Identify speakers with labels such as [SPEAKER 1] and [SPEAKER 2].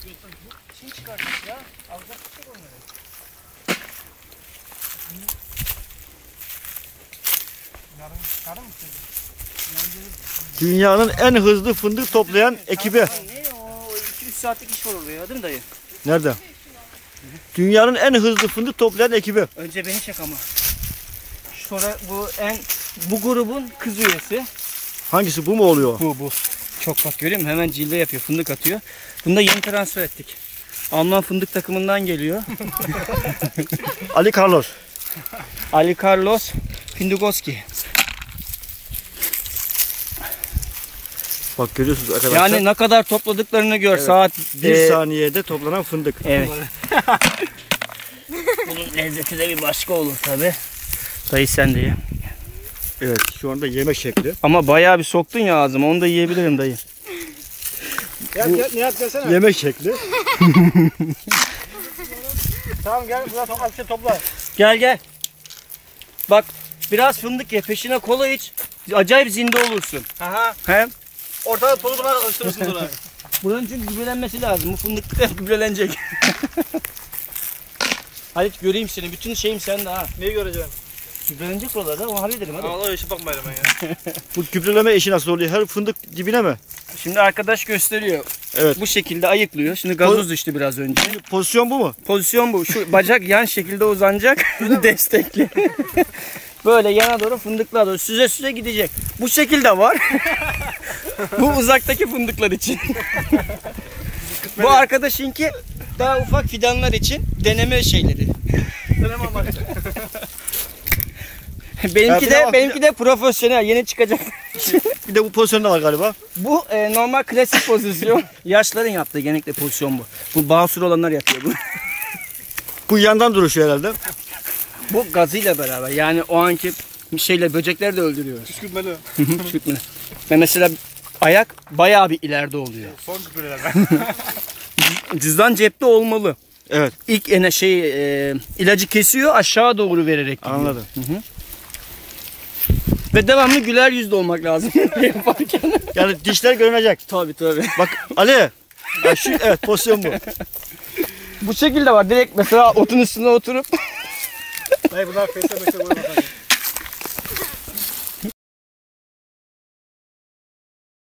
[SPEAKER 1] Şimdi çıkartmış ya. Alacak tutuk onları. Yarın mı
[SPEAKER 2] Dünyanın en hızlı fındık toplayan ekibi.
[SPEAKER 1] Ne o 2-3 saatlik iş var orada ya değil mi dayı?
[SPEAKER 2] Nerede? Dünyanın en hızlı fındık toplayan ekibi.
[SPEAKER 1] Önce beni çek ama. Sonra bu grubun kız üyesi.
[SPEAKER 2] Hangisi, bu mu oluyor?
[SPEAKER 1] Bu. Çok bak görüyor musun? Hemen cilve yapıyor. Fındık atıyor. Bunu da yeni transfer ettik. Alman fındık takımından geliyor.
[SPEAKER 2] Ali Carlos.
[SPEAKER 1] Ali Carlos Findugoski.
[SPEAKER 2] Bak görüyorsunuz arkadaşlar.
[SPEAKER 1] Yani ne kadar topladıklarını gör.
[SPEAKER 2] Evet.
[SPEAKER 1] Saat
[SPEAKER 2] Bir saniyede toplanan fındık.
[SPEAKER 1] Evet. Bunun lezzeti de bir başka olur tabi. Dayı sen de ye.
[SPEAKER 2] Evet, şu anda yemek şekli.
[SPEAKER 1] Ama bayağı bir soktun ya ağzıma. Onu da yiyebilirim dayı.
[SPEAKER 3] Nihat gelsene.
[SPEAKER 2] Yemek şekli.
[SPEAKER 3] Tamam gel buraya az bir şey topla.
[SPEAKER 1] Gel. Bak biraz fındık ye. Peşine kola iç. Acayip zinde olursun.
[SPEAKER 3] Aha.
[SPEAKER 1] He?
[SPEAKER 3] Ortada tozu buna alıştırırsın sonra.
[SPEAKER 1] Buranın çünkü gübrelenmesi lazım. Bu fındık gübrelenecek. Halit göreyim seni. Bütün şeyim sende ha.
[SPEAKER 3] Neyi göreceksin?
[SPEAKER 1] Gübrelenecek buralarda. Onu halledelim hadi.
[SPEAKER 3] Allah işe bakmayalım ben ya.
[SPEAKER 2] Bu gübreleme işi nasıl oluyor? Her fındık dibine mi?
[SPEAKER 1] Şimdi arkadaş gösteriyor.
[SPEAKER 2] Evet.
[SPEAKER 1] Bu şekilde ayıklıyor. Şimdi gazoz düştü biraz önce.
[SPEAKER 2] Pozisyon bu mu?
[SPEAKER 1] Pozisyon bu. Şu bacak yan şekilde uzanacak. Destekli. Böyle yana doğru fındıklar doğru süze gidecek. Bu şekilde var. Bu uzaktaki fındıklar için. Bu arkadaşınki daha ufak fidanlar için deneme şeyleri.
[SPEAKER 3] Deneme amaçlı.
[SPEAKER 1] benimki de profesyonel yeni çıkacak.
[SPEAKER 2] Bir de bu pozisyonda var galiba.
[SPEAKER 1] Bu normal klasik pozisyon. Yaşların yaptığı genellikle pozisyon bu. Bu basur olanlar yapıyor bu.
[SPEAKER 2] Bu yandan duruşuyor herhalde.
[SPEAKER 1] Bu gazıyla beraber yani o anki şeyle böcekleri de öldürüyoruz.
[SPEAKER 3] Küçülmeli.
[SPEAKER 1] Küçültmeli. Ve mesela ayak bayağı bir ileride oluyor.
[SPEAKER 3] Son küpüreler.
[SPEAKER 1] Cüzdan cepte olmalı.
[SPEAKER 2] Evet.
[SPEAKER 1] İlk ilacı kesiyor aşağı doğru vererek gidiyor.
[SPEAKER 2] Anladım.
[SPEAKER 1] Hı. Ve devamlı güler yüzlü olmak lazım yaparken.
[SPEAKER 2] Yani dişler görünecek.
[SPEAKER 1] Tabii.
[SPEAKER 2] Bak Ali. Ya evet, pozisyon bu.
[SPEAKER 1] Bu şekilde var. Direkt mesela otun üstüne oturup
[SPEAKER 3] Hayır bunlar face'e meşe